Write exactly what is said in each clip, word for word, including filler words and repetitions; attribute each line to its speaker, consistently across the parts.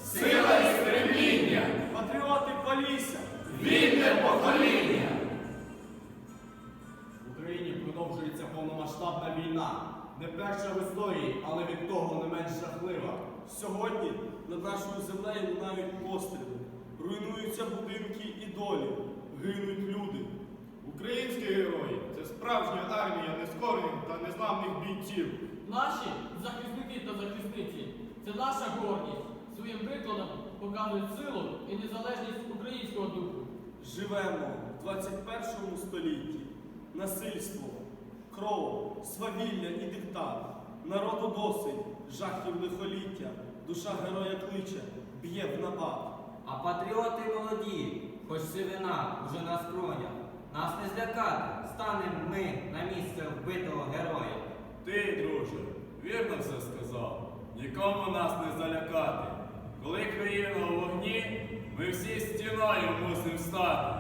Speaker 1: сила і стремління,
Speaker 2: патріоти Полісся,
Speaker 1: вільне покоління.
Speaker 2: В Україні продовжується повномасштабна війна. Не перша в історії, але від того не менш жахлива. Сьогодні над нашою землею лунають постріли, руйнуються будинки і долі, гинуть люди.
Speaker 3: Українські герої – це справжня армія нескорених та незламних бійців.
Speaker 4: Наші захисники та захисниці – це наша гордість. Своїм прикладом показують силу і незалежність українського духу.
Speaker 2: Живемо в двадцять першому столітті. Насильство, кров, свавілля і диктат. Народу досить, жахів лихоліття. Душа героя кличе, б'є в набат.
Speaker 5: А патріоти молоді, хоч сивина уже на скронях. Нас не злякати, станемо ми на місце вбитого героя.
Speaker 1: Ти, друже, вірно все сказав. Нікому нас не залякати. Коли країна у вогні, ми всі стіною мусимо стати.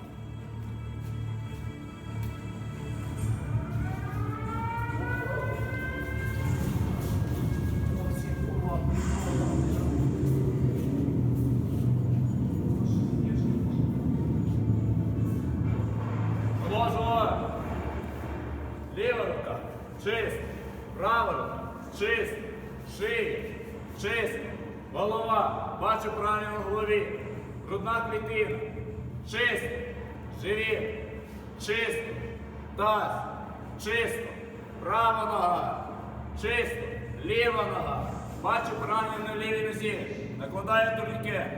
Speaker 3: Положила. Ліва рука чиста, права рука чиста, шия чиста, голова, бачу правильно в голові, грудна клітина чиста, живіт чисто, таз чисто, права нога чисто, ліва нога, бачу правильно на лівій нозі, накладаю турнікет.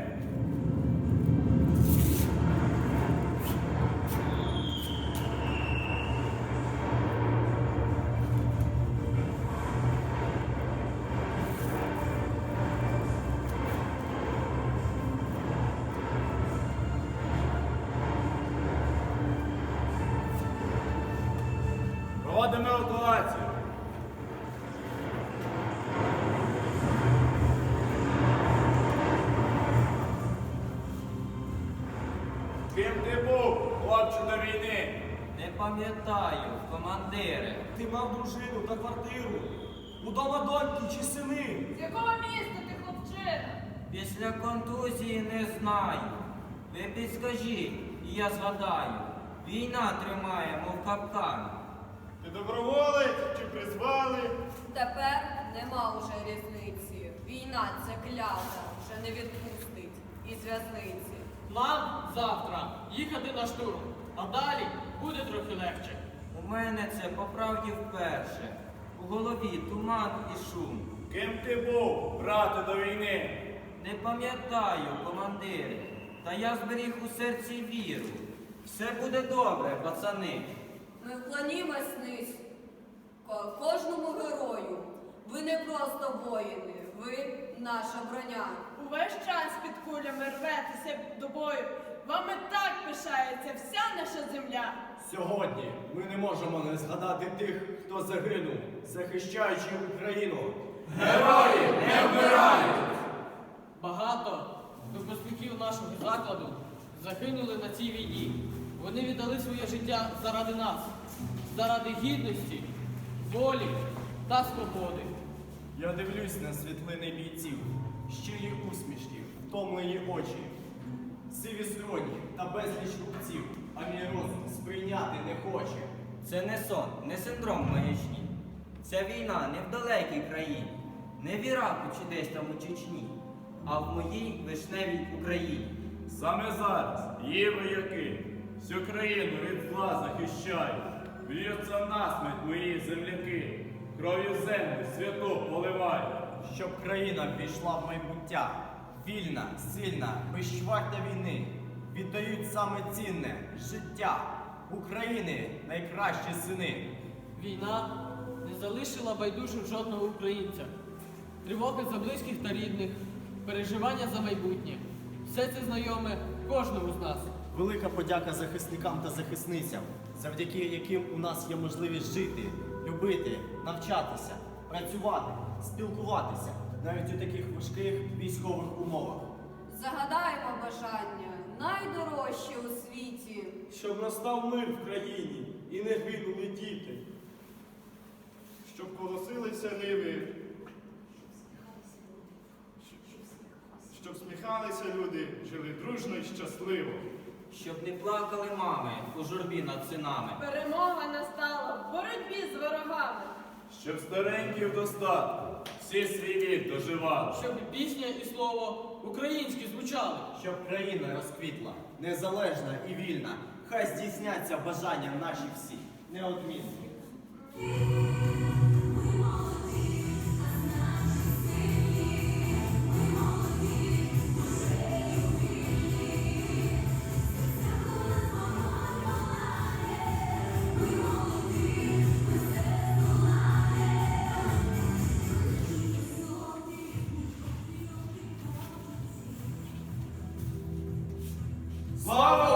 Speaker 3: Проводимо евакуацію. Ким ти був, хлопче, до війни?
Speaker 5: Не пам'ятаю, командире.
Speaker 2: Ти мав дружину та квартиру. Удома доньки чи сини.
Speaker 6: З якого міста ти, хлопчина?
Speaker 5: Після контузії не знаю. Ви підскажіть, і я згадаю. Війна тримає, мов капкан.
Speaker 3: Ти доброволець чи призвали?
Speaker 6: Тепер нема уже різниці. Війна це клята, вже не відпустить із в'язниці.
Speaker 4: Нам завтра їхати на штурм, а далі буде трохи легше.
Speaker 5: У мене це по правді вперше. У голові туман і шум.
Speaker 1: Ким ти був, брате, до війни?
Speaker 5: Не пам'ятаю, командире, та я зберіг у серці віру. Все буде добре, пацани.
Speaker 6: Ми вклонімось низь ко- кожному герою. Ви не просто воїни, ви наша броня.
Speaker 7: Увесь час під кулями рветеся до бою. Вами так пишається вся наша земля.
Speaker 2: Сьогодні ми не можемо не згадати тих, хто загинув, захищаючи Україну.
Speaker 1: Герої не вмирають!
Speaker 4: Багато випускників нашого закладу загинули на цій війні. Вони віддали своє життя заради нас, заради гідності, волі та свободи.
Speaker 2: Я дивлюсь на світлини бійців, щирі усмішки, втомлені очі, сиві скроні та безліч рубців, а мій розум сприйняти не хоче.
Speaker 5: Це не сон, не синдром маячні. Ця війна не в далекій країні, не в Іраку чи десь там у Чечні, а в моїй вишневій Україні.
Speaker 1: Саме зараз її вояки всю країну від зла захищають. Б'ються насмерть мої земляки, кров'ю землю святу поливають.
Speaker 2: Щоб країна ввійшла в майбуття, вільна, сильна, безчвартя війни, віддають саме цінне життя України найкращі сини.
Speaker 4: Війна не залишила байдужим жодного українця. Тривоги за близьких та рідних, переживання за майбутнє. Все це знайоме кожному з нас.
Speaker 2: Велика подяка захисникам та захисницям, завдяки яким у нас є можливість жити, любити, навчатися, працювати, спілкуватися, навіть у таких важких військових умовах.
Speaker 6: Загадаємо бажання найдорожче у світі.
Speaker 2: Щоб настав мир в країні і не гинули діти.
Speaker 3: Щоб колосилися ниви, посміхалися люди, жили дружно і щасливо.
Speaker 5: Щоб не плакали мами у журбі над синами.
Speaker 7: Перемога настала в боротьбі з ворогами.
Speaker 1: Щоб старенькі в достатку всі свій вік доживали.
Speaker 4: Щоб пісня і слово українські звучали.
Speaker 2: Щоб країна розквітла, незалежна і вільна, хай здійсняться бажання наші всі, неодмінні.
Speaker 3: Слава